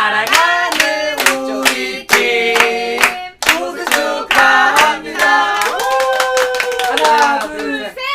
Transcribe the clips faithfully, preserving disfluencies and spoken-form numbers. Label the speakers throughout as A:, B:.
A: 사랑하는 우리 팀 우승 축하합니다. 하나 둘 셋.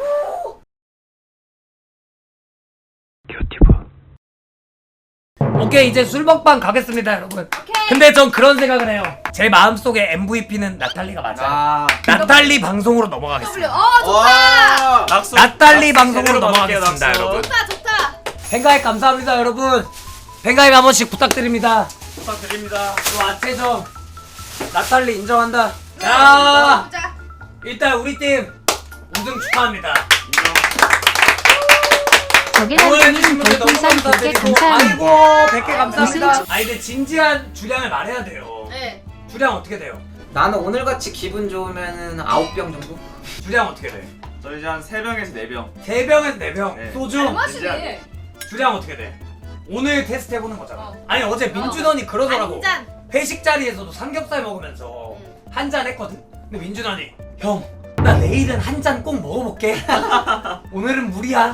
A: 오케이 이제 술 먹방 가겠습니다 여러분.
B: 오케이.
A: 근데 전 그런 생각을 해요. 제 마음속에 엠브이피는 나탈리가 맞아요.
C: 아.
A: 나탈리 방송으로
B: W.
A: 넘어가겠습니다.
B: 어 좋다.
D: 낙수.
A: 나탈리
D: 낙수
A: 방송으로
D: 제대로
A: 넘어가겠습니다
D: 낙수.
A: 여러분.
B: 좋다 좋다.
A: 팬가입 감사합니다 여러분. 팬가입 한 번씩 부탁드립니다.
D: 부탁드립니다.
A: 또 아체죠. 나탈리 인정한다. 자
B: 보자.
A: 일단 우리 팀 우승 축하합니다.
E: 저게남님 별풍선 백 개 감사합니다.
A: 아이고 백 개 감사합니다.
E: 우승
A: 아니 근데 진지한 주량을 말해야 돼요.
B: 네.
A: 주량 어떻게 돼요?
C: 나는 오늘같이 기분 좋으면은 아홉 병 정도?
A: 주량 어떻게 돼?
D: 저 이제 한 세 병에서 네 병.
A: 세 병에서 네 병.
D: 네.
A: 소주.
B: 잘 마시네.
A: 주량 어떻게 돼? 오늘 테스트 해보는 거잖아.
B: 어.
A: 아니 어제 민준언이 그러더라고.
B: 한 잔.
A: 회식 자리에서도 삼겹살 먹으면서
B: 응.
A: 한 잔 했거든? 근데 민준언이 형, 나 내일은 한 잔 꼭 먹어볼게. 오늘은 물이야.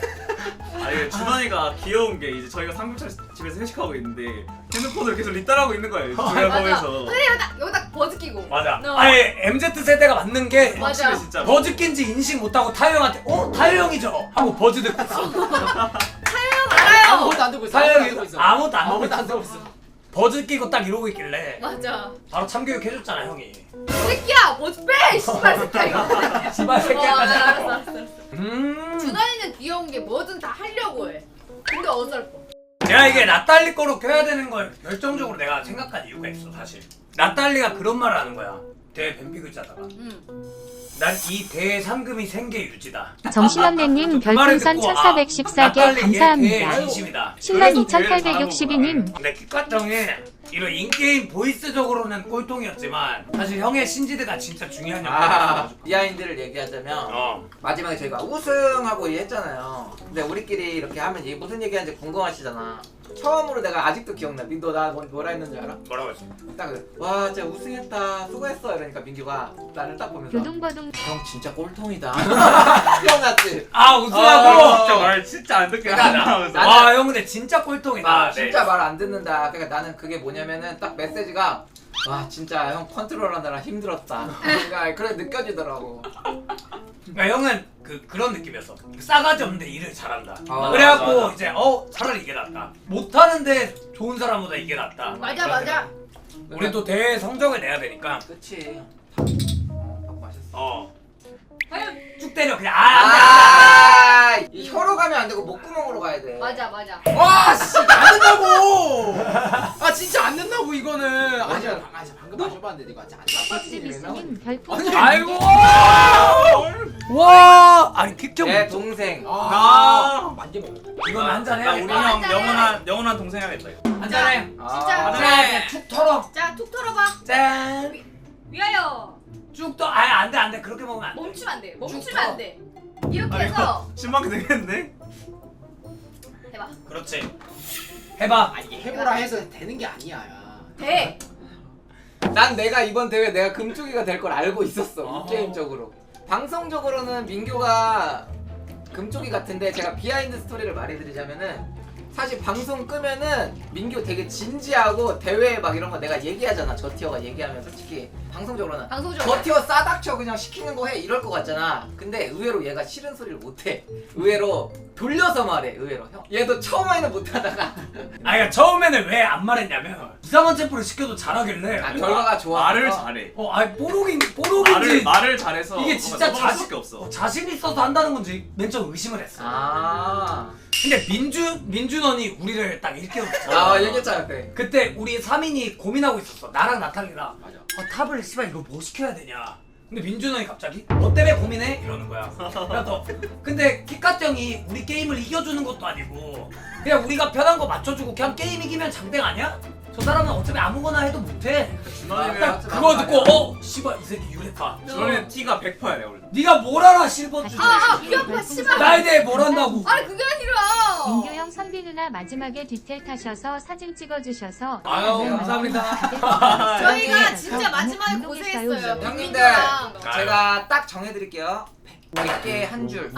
D: 아 이게 준원이가 귀여운 게 이제 저희가 삼겹살 집에서 회식하고 있는데 핸드폰을 계속 리따라고 있는 거예요. 저희가
B: 맞아.
D: 보면서.
B: 근데 여기다 여기다 버즈 끼고.
A: 맞아.
B: 너.
A: 아니 엠지 세대가 맞는 게
B: 맞아.
D: 확실히 진짜.
A: 버즈 낀지 인식 못하고 타요 형한테 어? 타요 형이죠? 하고 버즈 듣고 있어.
B: 알아요.
F: 아무것도 안 들고 있어.
A: 타요
F: 아무것도 안
A: 형이
F: 들고 있어.
A: 아무것도 안
F: 아무것도 안
A: 듣고
F: 들고
A: 있어.
F: 있어.
A: 버즈 끼고 딱 이러고 있길래
B: 맞아.
A: 바로 참교육 해줬잖아 형이.
B: 새끼야 버즈 빼. 씨발 새끼야 이거.
A: 씨발
B: 어,
A: 새끼야까지.
B: 알았어 알았어. 알았어.
A: 음.
B: 준환이는 귀여운 게 뭐든 다 하려고 해. 근데 어설퍼.
A: 내가 이게 나탈리 거로 껴야 되는 걸 결정적으로 내가 생각한 이유가 있어 사실. 나탈리가 그런 말을 하는 거야. 대 뱀피 글자다가.
B: 응.
A: 난 이 대상금이 생계 유지다.
E: 정신없네님 별풍선 천사백십사 개 감사합니다.
A: 진심이다.
E: 신랑 이천팔백육십이 님
A: 근데 키카정이 이런 인게임 보이스적으로는 꼴통이었지만 사실 형의 신지드가 진짜 중요한 역할을
C: 아,
A: 했어.
C: 비하인드를 얘기하자면
A: 어.
C: 마지막에 저희가 우승하고 했잖아요. 근데 우리끼리 이렇게 하면 이게 무슨 얘기하는지 궁금하시잖아. 처음으로 내가 아직도 기억나. 민도 나 뭐- 뭐라 했는지 알아?
A: 뭐라고 했어?
C: 딱 와 진짜 우승했다 수고했어 이러니까 민규가 나를 딱 보면서
E: 교동거동
C: 형 진짜 꼴통이다. 기억났지?
A: 아
D: 아,
A: 우승하고.
D: 진짜 말 진짜 안 듣게
C: 그러니까
D: 하면서.
C: 나는-
A: 와 형 근데 진짜 꼴통이다.
C: 아,
A: 네.
C: 진짜 말 안 듣는다. 그러니까 나는 그게 뭐냐면은 딱 메시지가 와 진짜 형 컨트롤하느라 힘들었다. 그러니까 그래 느껴지더라고.
A: 그러니까 형은 그 그런 느낌이었어. 싸가지 없는데 일을 잘한다.
C: 아,
A: 그래갖고
D: 맞아, 맞아.
A: 이제 어 차라리 이게 낫다. 못하는데 좋은 사람보다 이게 낫다.
B: 맞아
A: 그런
B: 맞아.
A: 생각. 우리 또 대회 성적을 내야 되니까.
C: 그치. 밥 마셨어.
A: 어.
B: 과연
A: 쭉 때려 그냥. 아, 안 돼, 안
C: 아, 이 혀로 가면 안 되고 목구멍으로 가야 돼.
B: 맞아 맞아.
F: 와, 씨, 안 된다고. 아, 진짜 안 된다고 이거는. 아니,
C: 맞아.
F: 방- 아니, 방금 마셔봤는데 이거 진짜 안 된다.
E: 엑스비스님
F: 아니,
E: 별풍선
A: 아이고.
E: 개
A: 와. 아니 킥경.
C: 내 동생.
F: 아, 만개 먹어.
A: 이건 한잔
D: 나
A: 해.
D: 우리
B: 아,
D: 형
B: 한잔해.
D: 영원한 영원한 동생 해야겠다 이거.
A: 한잔 해.
B: 진짜.
C: 아,
A: 한잔 해. 그냥 툭 털어.
B: 자 툭 털어봐.
A: 짠.
B: 위하여.
A: 쭉 떠. 아예 안돼 안돼 그렇게 먹으면 안 돼.
B: 멈추면 안 돼. 멈추면
A: 쭉
B: 안 돼. 이렇게
D: 아니,
B: 해서
D: 신방이 되겠는데?
B: 해봐.
A: 그렇지. 해봐.
F: 아, 이게 해보라 해서 되는 게 아니야. 야.
B: 돼.
C: 난 내가 이번 대회 내가 금쪽이가 될 걸 알고 있었어.
A: 어.
C: 게임적으로. 방송적으로는 민규가 금쪽이 같은데 제가 비하인드 스토리를 말해드리자면은 사실 방송 끄면은 민규 되게 진지하고 대회 막 이런 거 내가 얘기하잖아. 저 티어가 얘기하면 솔직히 방송적으로는
B: 방송적으로.
C: 저 티어 싸닥쳐 그냥 시키는 거 해 이럴 것 같잖아. 근데 의외로 얘가 싫은 소리를 못해. 의외로 돌려서 말해. 의외로 형. 얘도 처음에는 못하다가
A: 아니 그러니까 처음에는 왜 안 말했냐면 이상한 챔프를 시켜도 잘하길래.
C: 아, 결과가 좋아.
D: 말을 잘해.
A: 어 아니 뽀록인
D: 말을
A: 뽀록인지.
D: 말을 잘해서
A: 이게 진짜
D: 넘어갈
A: 자신
D: 수밖에 없어.
A: 어, 자신 있어서 한다는 건지 맨 처음 의심을 했어.
C: 아,
A: 근데 민준 민준언이 우리를 딱 일깨웠어.
C: 아 얘기했잖아 그때.
A: 그때 우리 삼 인이 고민하고 있었어. 나랑 나탈리랑.
F: 맞아.
A: 어, 탑을 씨발 이거 뭐 시켜야 되냐. 근데 민준언이 갑자기 너 때문에 고민해? 이러는 거야. 그래서 근데 키카트 형이 우리 게임을 이겨주는 것도 아니고 그냥 우리가 편한 거 맞춰주고 그냥 게임 이기면 장땡 아니야? 저 사람은 어차피 아무거나 해도 못해.
D: 준원이는
C: 아,
A: 그거 듣고 어? 씨발 이 새끼 유레카.
D: 준원이는 티가 백 퍼센트야 내가 원래.
A: 네가 뭘 알아 실버 주제.
B: 아아 귀 아파 씨발.
A: 나에 대해 뭘 한다고.
B: 아니 그게 아니라.
E: 민규형 선비 누나 마지막에 디테일 타셔서 사진 찍어주셔서
A: 아유 감사합니다.
B: 저희가 진짜 마지막에
E: 운동했어요.
B: 고생했어요.
C: 형님들
B: 민규랑.
C: 제가 딱 정해드릴게요. 백 개 한 줄,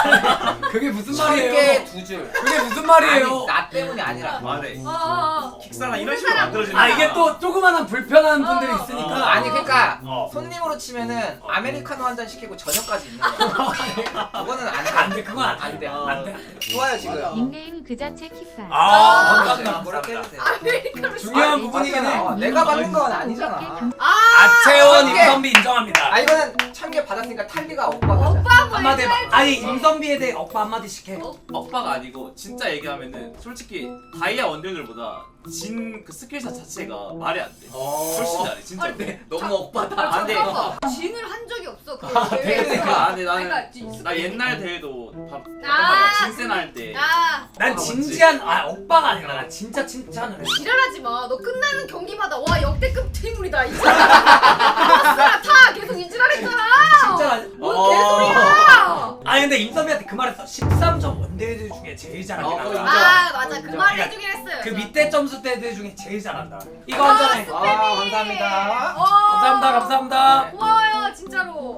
A: 그게 무슨
C: 천 개
A: 말이에요?
C: 두 줄.
A: 그게 무슨 말이에요?
C: 아니, 나 때문이 아니라.
D: 말해.
B: 어어어.
D: 식사나 이런 식으로 만들어지는
A: 아 이게 또 조그만한 불편한 분들이
B: 어.
A: 있으니까.
C: 어, 아니 그러니까
A: 어.
C: 손님으로 치면은 아메리카노 한 잔 시키고 저녁까지 있는 거야. 그거는 안 돼.
A: 안돼 그건
C: 안
A: 안돼
C: 돼.
A: 안돼.
C: 좋아요 지금.
E: 닉네임 그 자체 킥발.
A: 아
C: 아,
A: 감사합니다.
C: 그렇게
A: 감사합니다.
C: 해주세요.
B: 아메리카노
A: 중요한
C: 아니,
A: 부분이긴 해.
C: 맞잖아. 내가 받는 건 아니잖아.
A: 아채원
C: 오케이.
A: 임선비 인정합니다.
C: 아 이거는 천 개 받았으니까 탈리가 오빠가.
B: 오빠 뭐
A: 한마디 해봐.
B: 해줘야지.
A: 아니 임선비에 대해 억바 한마디씩 해.
D: 억바가 아니고 진짜 얘기하면은 솔직히 다이아 원딜들보다 진 그 스킬샷 자체가 말이 안 돼. 훨씬 잘해 진짜.
B: 아니,
C: 네, 너무 억바다.
D: 아, 근데
B: 잠깐만. 진을 한 적이 없어. 그
A: 아,
B: 대회에서.
D: 그러니까 아니 나는
B: 그러니까 진-
D: 나 옛날 대회도 밥
B: 아.
D: 진세나 할 때.
B: 아
A: 난 진지한 아 억바가 아니라 난 진짜 칭찬을 해.
B: 지랄하지 마. 너 끝나는 경기마다 와 역대급 팀물이다. 이지랄. 타 계속 이지랄했잖아.
A: 진짜.
B: 뭔
D: 어.
B: 개소리야.
A: 아니 근데 임선비한테 그 말했어. 십삼 점 원대들 중에 제일 잘하긴
C: 어, 그거
A: 하다.
B: 아 맞아 그
C: 인정.
B: 말 해주긴 했어요.
A: 그
B: 저.
A: 밑에 점수대들 중에 제일 잘한다. 이거 한 잔해.
C: 아 감사합니다.
B: 어.
A: 감사합니다 감사합니다.
B: 고마워요 진짜로.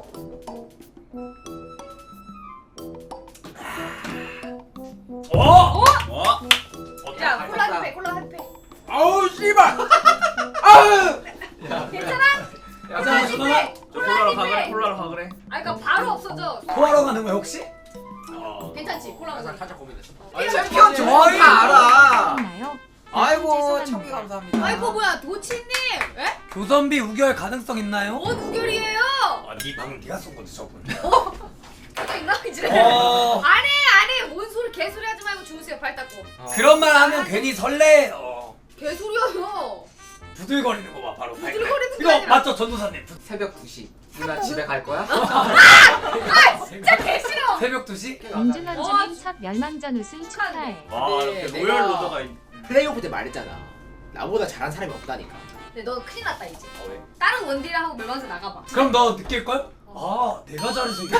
A: 어?
B: 어?
D: 와.
B: 야
A: 어때?
B: 콜라 한 팩, 콜라 한 팩.
F: 아우 씨발. 아우.
B: 괜찮아?
C: 야,
B: 콜라 한
A: 잠깐만.
B: 팩.
D: 저
B: 콜라
D: 콜라로
B: 한
D: 가 그래
B: 팩.
D: 콜라로 가 그래.
B: 아 그러니까 바로 없어져.
A: 토하러 가는 거야 혹시? 어.
B: 괜찮지? 콜라 한 팩.
F: 살짝 고민했어.
C: 챔피언 좋아하는 거 알아.
E: 나요?
C: 아이고 천 개 감사합니다.
B: 아이고 뭐야 도치님? 에?
A: 교선비 우결 가능성 있나요?
B: 뭔 우결이에요?
A: 아네 방금 네가 쏜 건데 저분.
B: 가져 있나 이제?
A: 어.
B: 안해 안해 뭔 소리 개소리 하지 말고 주무세요 발 닦고.
A: 그런 말 하면 괜히 설레요.
B: 개소리야요.
A: 부들거리는 거 봐 바로.
B: 부들거리는 게
A: 이거
B: 아니라.
A: 맞죠 전도사님?
C: 새벽 두 시. 누나 집에 갈 거야?
B: 아 진짜 개 싫어.
A: 새벽 두 시?
E: 임준원주님 첫 멸망전 우승 축하해.
D: 와
F: 네,
D: 이렇게
F: 내가-
D: 로열 로더가 있.
F: 플레이오프 때 말했잖아. 나보다 잘한 사람이 없다니까.
B: 근데 너 큰일 났다 이제.
F: 어, 왜?
B: 다른 원딜이랑 하고 멸망전 나가봐.
A: 그럼 너 느낄 걸? 아 내가 잘해서 이게.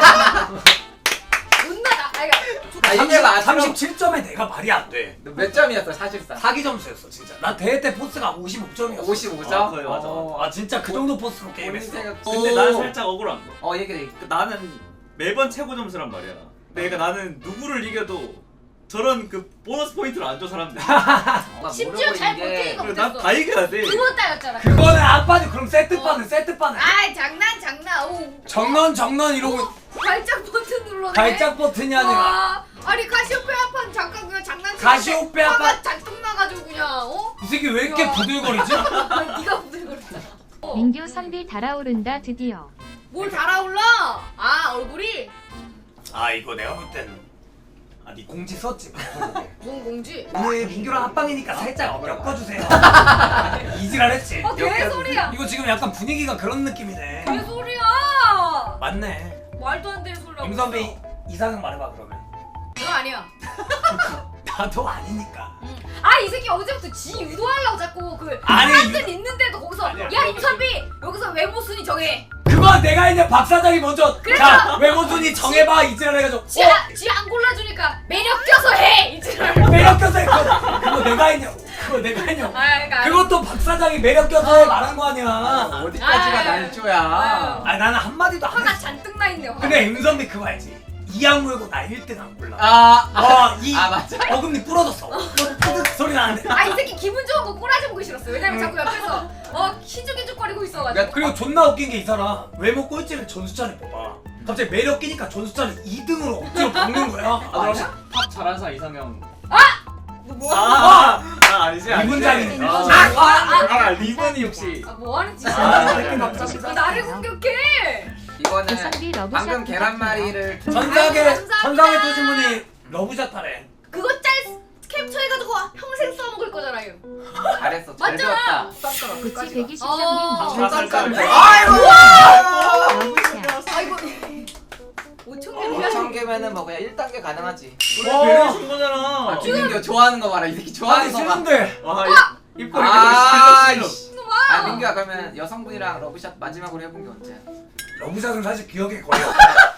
B: 존나 나. 아니 그러니까
C: 아, 이게 맞아.
A: 삼십칠 점에 내가 말이 안 돼.
C: 몇 점이었어 사실상?
A: 사기 점수였어 진짜. 나 대회 때 포스가 오십오 점이었어.
C: 오십오 점?
D: 아, 그래, 맞아,
C: 어.
A: 아 진짜 그 정도 포스로
C: 본인
A: 게임했어.
C: 생각-
D: 근데
C: 오.
D: 나는 살짝 억울한 거.
C: 어 얘기해.
D: 그 나는 매번 최고 점수란 말이야. 내가 나는 누구를 이겨도 저런 그 보너스 포인트를 안 줘 사람들.
B: 심지어 잘 버티는 거
D: 그리고 난
B: 못했어.
D: 다 이겨야 돼.
B: 두 번 따였잖아.
A: 그거는 아빠는 그럼 세트판은 세트판은.
B: 아이 장난 장난. 오.
A: 정넌 정넌 이러고
B: 발작 버튼 눌렀네.
A: 발작 버튼이 아니라
B: 와, 아니 가시오페아판 잠깐 그냥 장난치고
A: 가시오페아판-
B: 화가 잔뜩 나가지고 그냥 어?
A: 이 새끼 왜 이렇게
B: 야.
A: 부들거리지?
B: 아니, 네가 부들거렸잖아. 어.
E: 민규 선비 달아오른다 드디어.
B: 뭘 달아올라? 아 얼굴이
A: 아 이거 내가 볼 때는 아네 공지 썼지 방송국에.
B: 뭔 공지?
A: 오늘 민규랑 합방이니까 살짝 엮어주세요. 이지랄했지.
B: 어 개소리야.
A: 이거 지금 약간 분위기가 그런 느낌이네.
B: 개소리야.
A: 맞네.
B: 말도 안 되는 소리라고.
A: 임선비 이상형 말해봐 그러면.
B: 너 아니야.
A: 나도 아니니까.
B: 아 이 새끼 어제부터 지 유도하려고 자꾸 그
A: 아니,
B: 사람들 있는데도 거기서
A: 아니야.
B: 야 임선비 여기서 외모 순위 정해.
A: 그거 내가 이제 박 사장이 먼저
B: 그래서-
A: 자 외모 순위 정해봐 이지랄 해가지고
B: 지안 골라주니까 매력 껴서 해 이지랄.
A: 어, 매력 껴서 해. 그거, 그거 내가 했냐고. 그거 내가 했냐고.
B: 아 그러니까
A: 그것도 박 사장이 매력 껴서 해 말한 거 아니야.
C: 어디까지가
B: 아유.
C: 날조야.
B: 아유.
A: 아니 나는 한마디도 안
B: 화가
A: 했어.
B: 잔뜩 나 있네. 화가.
A: 근데 임선비 그거 알지? 이악 물고 나 일 등 안 골라.
C: 아,
A: 어, 이
C: 아 맞아.
A: 어금니 부러졌어. 뿌득 소리 나는데.
B: 아 이 새끼 기분 좋은 거 꼬라지 보기 싫었어. 왜냐면 자꾸 옆에서 어 희죽희죽거리고 있어가지고.
A: 그리고 존나 웃긴 게 이 사람 외모 꼴찌를 전수찬을 뽑아. 갑자기 매력 끼니까 전수찬을 이 등으로 억지로 박는 거야.
D: 아 그럼 탑 잘하는 사람 이상형.
B: 너 뭐야?
D: 아, 아 아니지 아니지.
A: 리본장이.
D: 아,
A: 아,
B: 아,
D: 아, 리본이 혹시.
B: 아 뭐하는 짓이야?
A: 아, 새끼 남자
B: 왜 나를 공격해?
C: 이거는
E: 선비 러브샷
C: 방금 계란말이를
A: 전상에
B: 감사합니다.
A: 전상에 뜨신 분이 러브샷 하래.
B: 그거 짤 캡처해가지고 평생 써먹을 거잖아요.
C: 잘했어. 잘
B: 맞잖아.
C: 배웠다.
E: 구치 백이
B: 어.
E: 실장님
D: 깜깜깜.
C: 아이고.
E: 러브샷.
B: 아이고 오천 개
C: 오천 개면은 뭐 그냥 일 단계 가능하지.
D: 우리 배려 준 거잖아.
C: 아, 김민규 좋아하는 거 봐라. 이 새끼 좋아하는
A: 아니
C: 거 봐.
A: 싫은데.
D: 와 입꼬리
C: 아,
D: 입꼬리
C: 이씨.
B: 놈아.
C: 아 민규야 그러면 여성분이랑 러브샷 마지막으로 해본 게 언제야?
A: 러브샷은 사실 기억에 거의 없어.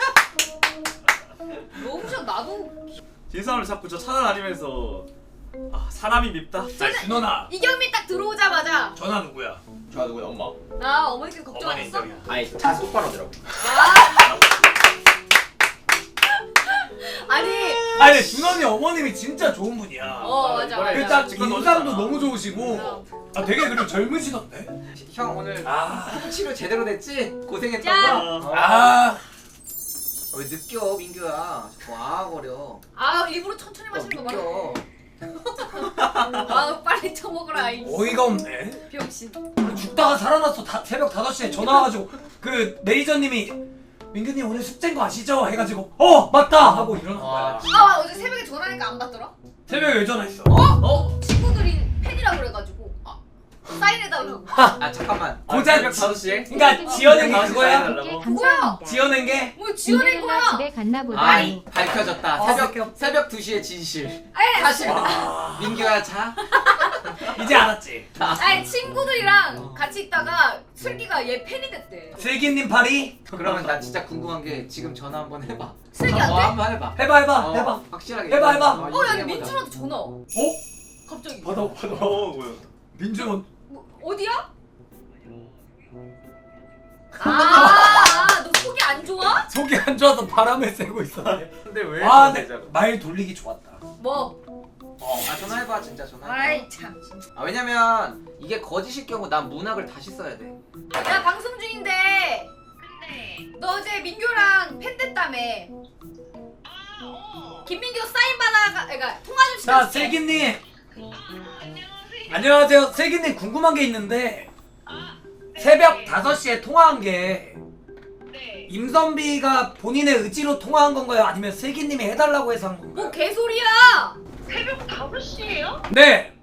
B: 러브샷 나도
D: 진상을 자꾸 저 찾아다니면서 아 사람이 밉다.
A: 자 준호나
B: 이경민 딱 들어오자마자
A: 전화 누구야?
F: 좋아 누구야 엄마?
B: 나 어머니께서
A: 어머니
B: 걱정하셨어?
A: 인정이야.
F: 아니 차 똑바로 하더라고.
B: 아니
A: 아니 준원이 어머님이 진짜 좋은 분이야.
B: 어 맞아 맞아.
A: 일단
D: 직관
A: 인상도
D: 넣어줬잖아.
A: 너무 좋으시고 아 되게 그리고 젊으시던데.
C: 형 오늘
A: 아,
C: 치료 제대로 됐지? 고생했던
B: 짠!
C: 거. 어.
A: 아,
C: 왜 느껴 민규야? 와거려.
B: 아 일부러 천천히 마시는 거 말해.
C: 느껴.
B: 아 빨리 처먹어라 이
A: 어이가 없네.
B: 병신.
A: 죽다가 살아났어. 다, 새벽 다섯 시에 전화 와가지고 그 매니저님이 민규님 오늘 숙제인 거 아시죠? 해가지고 어 맞다 하고 일어난 거야.
C: 와,
B: 아 어제 새벽에 전화하니까 안 받더라.
A: 새벽에 왜 전화했어?
C: 어?
B: 친구들이 팬이라고 그래가지고 아, 사인해달라고.
C: 아 잠깐만.
A: 고작
D: 새벽 다섯 시에?
A: 그러니까 지어낸 게
D: 다섯 시
A: 그거야?
D: 사인해달라고?
B: 뭐야?
A: 지어낸 게?
B: 뭐 지어낸
E: 민규가
B: 거야?
E: 집에 갔나 보다.
C: 아 밝혀졌다.
A: 어,
C: 새벽 새벽 두 시에 진실.
B: 아니
C: 사실
A: 와,
C: 민규야 자.
A: 이제 알았지.
B: 아니 친구들이랑 같이 있다가 슬기가 얘 팬이 됐대.
A: 슬기님 파리
C: 그러면 나 진짜 궁금한 게 지금 전화 한번 해봐.
B: 슬기한테?
C: 어, 한번 해봐.
A: 해봐 해봐
C: 어,
A: 해봐.
C: 확실하게.
A: 해봐, 해봐.
C: 어,
B: 어, 야,
C: 인증해보자.
B: 민준한테 전화. 와.
A: 어?
B: 갑자기.
A: 받아 받아.
D: 어 뭐야?
A: 민준
B: 뭐, 어디야? 아, 아, 너 속이 안 좋아?
A: 속이 안 좋아서 바람을 쐬고 있어.
D: 근데 왜?
A: 아,
D: 그래,
A: 근데 말 돌리기 좋았다.
B: 뭐?
A: 어.
C: 아 전화해봐 진짜 전화해봐.
B: 아이 참.
C: 아 왜냐면 이게 거짓일 경우 난 문학을 다시 써야 돼.
B: 야 방송 중인데. 너 어제 민규랑 팬 됐다며. 김민규 사인 받아가, 그러니까 통화 좀
A: 자,
B: 시켜줄게.
A: 슬기님. 안녕하세요. 슬기님 궁금한 게 있는데 새벽 다섯 시에 통화한 게 임선비가 본인의 의지로 통화한 건가요? 아니면 슬기님이 해달라고 해서 한
B: 뭐
A: 건가요?
B: 개소리야?
G: 새벽 다섯 시에요?
A: 네.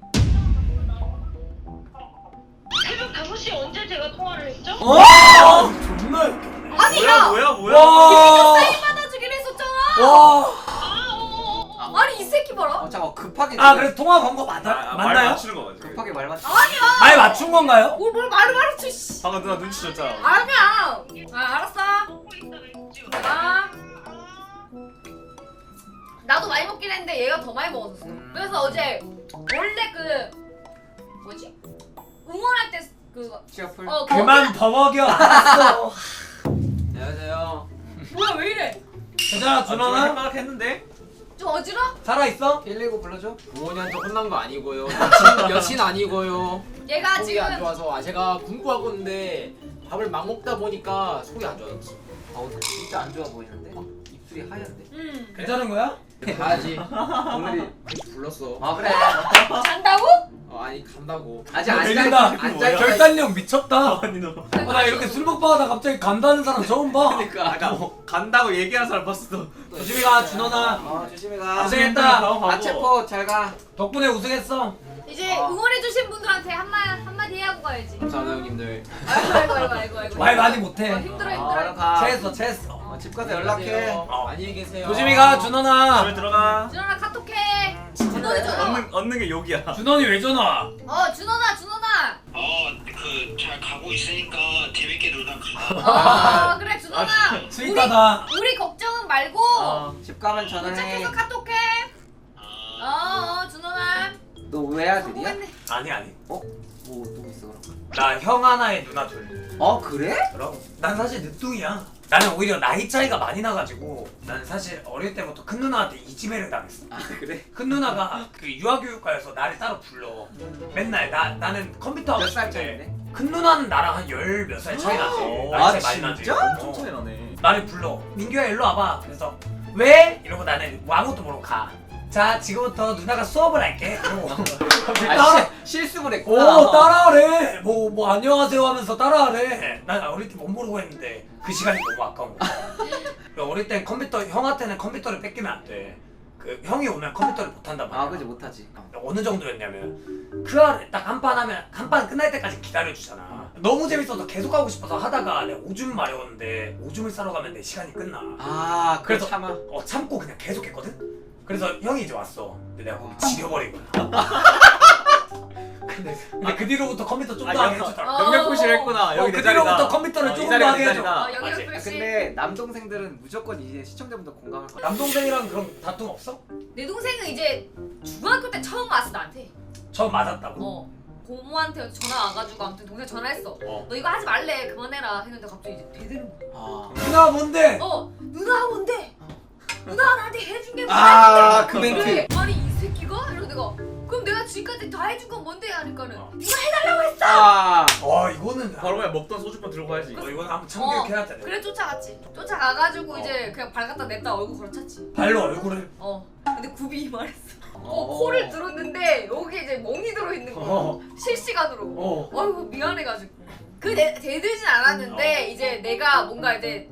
G: 새벽 다섯 시에 언제 제가 통화를 했죠?
A: 어? 존나 웃겼네.
B: 아니
D: 뭐야
B: 야.
D: 뭐야 뭐야?
A: 와.
B: 사인 받아주기로 했었잖아.
A: 와.
G: 아, 어, 어, 어.
B: 아니 이 새끼 봐라.
C: 어 잠깐 급하게.
A: 아, 그래서 통화 건 거 맞아?
D: 아, 말
A: 맞나요?
D: 맞추는 거 맞지?
C: 급하게 말 맞.
B: 아니야.
A: 말 맞춘 건가요?
B: 뭘, 뭘 말을 말했지. 씨.
D: 방금 누나 눈치 줬잖아.
B: 아니야. 아 알았어.
G: 먹고 있다 맥주.
B: 아. 나도 많이 먹긴 했는데 얘가 더 많이 먹었었어.
C: 음.
B: 그래서 어제 원래 그 뭐지? 응원할 때 그거
C: 시어풀.
B: 어
A: 그만 버벅여. 알았어.
C: 안녕하세요.
B: 뭐야 왜 이래?
A: 괜찮아, 준원아?
D: 생각 했는데?
B: 좀 어지러?
A: 살아있어?
C: 일일구 불러줘.
F: 부모님한테 혼난 거 아니고요. 여친, 여친 아니고요.
B: 얘가
F: 속이
B: 지금
F: 안 좋아서 아 제가 공부하고 있는데 밥을 막 먹다 보니까 속이 안 좋아졌어.
C: 아 오늘 진짜 안 좋아 보이는데? 입술이 하얀데.
B: 음
A: 괜찮은 거야?
F: 가야지. 오늘이 불렀어.
C: 아 그래.
B: 잔다고?
F: 어, 아니 간다고.
C: 아직 안
A: 들린다.
C: 잘- 안 잘.
A: 결단력 미쳤다.
D: 아니 너.
A: 어, 나 이렇게 술 먹고 하다 갑자기 간다는 사람 처음 봐.
C: 그러니까.
D: 아까 뭐 간다고 얘기하는 사람 봤어.
A: 조심히 가, 준원아.
C: 아 조심히 가.
A: 고생했다.
C: 아체포 잘 가.
A: 덕분에 우승했어.
B: 이제
C: 어.
B: 응원해주신 분들한테 한마 한마디 하고 가야지.
F: 감사합니다 형님들.
B: 아이고 아이고 아이고 아이고 아이고.
A: 말 많이
B: 어,
A: 못해.
B: 힘들어
C: 아,
B: 힘들어.
C: 얼른 가.
A: 체했어, 체했어.
C: 어, 집 가서 연락해.
F: 안녕하세요.
A: 어.
F: 안녕히 계세요.
A: 조심히 가,
D: 집에
A: 준원아.
D: 들어가.
B: 준원아 카톡해. 준원이 전화.
D: 얻는 얻는 게 욕이야.
A: 준원이 왜 전화?
B: 어 준원아 준원아.
H: 어, 그 잘 가고 있으니까 재밌게 놀다 가.
B: 어 그래 준원아.
A: 스윗하다.
B: 우리 우리 걱정은 말고
C: 어, 집 가면 전화해.
B: 도착해서 카톡해.
H: 아,
B: 어어 준원아.
C: 너 외아들이야?
B: 성공했네.
A: 아니, 아니.
C: 어? 뭐 누구 있어 그럼?
A: 나 형 하나에 누나 둘.
C: 어 그래?
A: 그럼 난 사실 늦둥이야. 나는 오히려 나이 차이가 많이 나가지고 나는 사실 어릴 때부터 큰 누나한테 이지매를 당했어.
C: 아 그래?
A: 큰 누나가 그 유아교육과에서 나를 따로 불러. 맨날 나 나는 컴퓨터 하고
C: 몇
A: 싶을
C: 살
A: 때
C: 차인데?
A: 큰 누나는 나랑 한 열 몇 살 차이 나지. 나이
C: 아,
A: 차이 많이 나지.
C: 진짜?
A: 어.
D: 좀 차이 나네.
A: 나를 불러. 민규야 일로 와봐. 그래서 왜? 이러고 나는 뭐 아무것도 모르고 가. 자 지금부터 누나가 수업을 할게. 이러고 갑자기 따라.
C: 아 시, 실습을 했구나.
A: 오 따라하래. 뭐 뭐 안녕하세요 하면서 따라하래. 난 어릴 때 못 모르고 했는데 그 시간이 너무 아까운 거야. 그러니까 어릴 땐 컴퓨터 형한테는 컴퓨터를 뺏기면 안 돼. 그 형이 오면 컴퓨터를 못 한단 말이야.
C: 아 그지 못하지. 어.
A: 어느 정도였냐면 크아를 딱 한 판 하면 한 판 끝날 때까지 기다려주잖아. 너무 재밌어서 계속 하고 싶어서 하다가 내가 오줌 마려웠는데 오줌을 싸러 가면 내 시간이 끝나.
C: 아 그래서
A: 그래서-
C: 참아.
A: 어 참고 그냥 계속 했거든? 그래서 형이 이제 왔어. 근데 내가 거기 지려버린 거야. 근데, 근데 그 뒤로부터 컴퓨터 좀 더
D: 아,
A: 하게
D: 영-
A: 해주더라.
B: 어.
D: 영역 표시를 했구나.
A: 어,
D: 여기
A: 그
D: 내 자리다.
A: 뒤로부터 컴퓨터를
D: 어, 이
A: 조금
D: 자리가
A: 더
D: 내
A: 하게 해줘.
D: 자리다.
B: 어 여기
A: 맞지?
C: 아,
B: 역시.
C: 근데 남동생들은 무조건 이제 시청자분들 공감할 거야.
A: 남동생이랑 그런 다툼 없어?
B: 내 동생은 이제 중학교 때 처음 왔어 나한테.
A: 저 맞았다고?
B: 어. 고모한테 전화 와가지고 아무튼 동생 전화했어.
A: 어.
B: 너 이거 하지 말래 그만해라 했는데 갑자기 이제 대드는 거야.
C: 아
A: 누나 뭔데?
B: 어 누나 뭔데? 누나 나한테 해준 게
C: 아,
B: 뭐야?
C: 그 멘트.
B: 그래. 아니 이 새끼가? 이러고 내가 그럼 내가 지금까지 다 해준 건 뭔데? 하니까는 네가 해달라고 했어.
C: 아,
A: 와 이거는
D: 바로 그냥 먹던 소주만 들고 가야지.
A: 어, 이거는 한번 참교육해야 돼.
B: 그래 쫓아갔지. 쫓아가가지고 이제 그냥 발 갖다 냈다 얼굴 걸어찼지.
A: 발로 얼굴을.
B: 어. 근데 굽이 말했어. 어,
C: 어.
B: 코를 들었는데 여기 이제 멍이 들어 있는 거야.
A: 어.
B: 실시간으로.
A: 어.
B: 어이구 미안해가지고. 그 대, 대들진 않았는데 이제 내가 뭔가 이제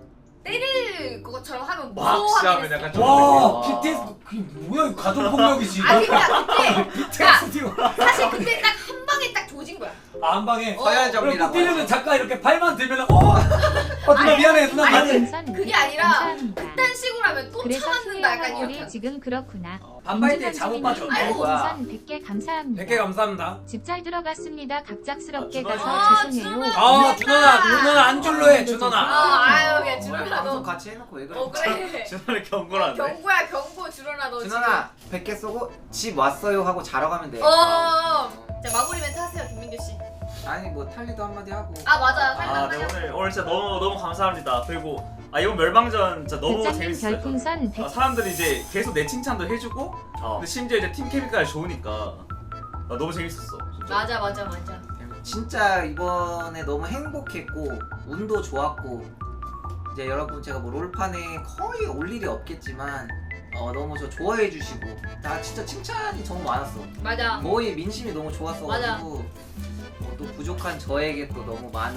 B: 때릴 것처럼 하면 무서워하긴
D: 시하면
B: 했어.
D: 약간 좀.
A: 와
D: 되게-
A: 비티에스 그게 뭐야 이거 가족 폭력이지.
B: 아니 그냥 그때
A: 비티에스 지금.
B: 사실 그때 딱 한 방에 딱 조진 거야.
A: 아, 한 방에.
C: 서열
A: 그럼
C: 정리라고.
A: 뛰려면 잠깐 이렇게 팔만 들면 어. 어 누나 미안해 누나
B: 아니,
A: 미안해.
E: 별풍선
B: 그게
E: 백 개
B: 아니라
E: 감사합니다.
B: 그딴 식으로 하면 또
E: 그래서
B: 참았는다 약간
E: 수혜와
B: 이렇게.
E: 우리 지금 그렇구나.
A: 반발 때 잘못 빠져.
B: 아이고.
E: 별풍선 백 개 감사합니다.
A: 백 개 감사합니다.
E: 집 잘 들어갔습니다. 갑작스럽게
D: 아, 준호야.
E: 가서
B: 아,
E: 죄송해요.
B: 준호야.
A: 아 준호나 준호나 안줄로 해
B: 어
A: 준호나.
B: 아유 그냥
C: 어,
B: 준호나
C: 방송
B: 너.
C: 같이 해놓고 왜 그래?
B: 어 그래.
D: 준호를 경고를
B: 경고야 경고 준호나 너
C: 준원아 백 개 쏘고 집 왔어요 하고 자러 가면 돼.
B: 지금. 어. 자 마무리 멘트 하세요 김민규 씨.
C: 아니 뭐 탈리도 한마디 하고.
B: 아 맞아.
D: 아,
B: 살짝
D: 네
B: 살짝.
D: 오늘 오늘 진짜 너무 너무 감사합니다. 그리고 아 이번 멸망전 진짜 너무
E: 대장님
D: 재밌었어요.
E: 별풍선 백
D: 아, 사람들이 이제 계속 내 칭찬도 해주고,
A: 어.
D: 근데 심지어 이제 팀 케미까지 좋으니까 아, 너무 재밌었어. 진짜.
B: 맞아 맞아 맞아.
C: 진짜 이번에 너무 행복했고 운도 좋았고 이제 여러분 제가 뭐 롤판에 거의 올 일이 없겠지만 어, 너무 저 좋아해 주시고 나 진짜 칭찬이 너무 많았어.
B: 맞아.
C: 거의 민심이 너무 좋았어가지고 어, 또 부족한 저에게 또 너무 많은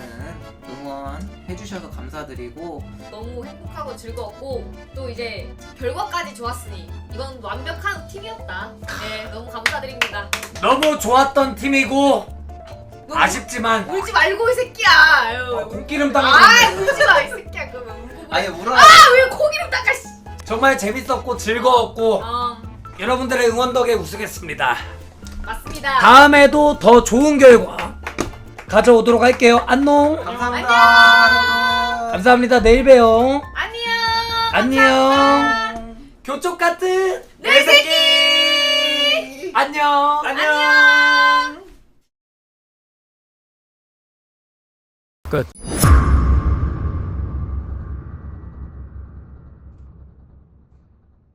C: 응원 해주셔서 감사드리고
B: 너무 행복하고 즐거웠고 또 이제 결과까지 좋았으니 이건 완벽한 팀이었다. 네 너무 감사드립니다.
A: 너무 좋았던 팀이고
B: 너
A: 아쉽지만
B: 울지 말고 이 새끼야. 아유.
A: 어, 공기름
B: 아
A: 당했는데
B: 울지 마 이 새끼야. 그러면 울고
C: 아니 울어.
B: 아왜 코기름 닦아 씨.
A: 정말 재밌었고 즐거웠고
B: 어
A: 여러분들의 응원 덕에 우승했습니다.
B: 맞습니다.
A: 다음에도 더 좋은 결과 가져오도록 할게요. 안녕.
C: 감사합니다.
A: 감사합니다. 내일 봬요.
B: 안녕.
A: 안녕.
B: 감사합니다.
A: 교쪽 같은
B: 내 새끼.
A: 안녕.
B: 안녕.
A: 끝.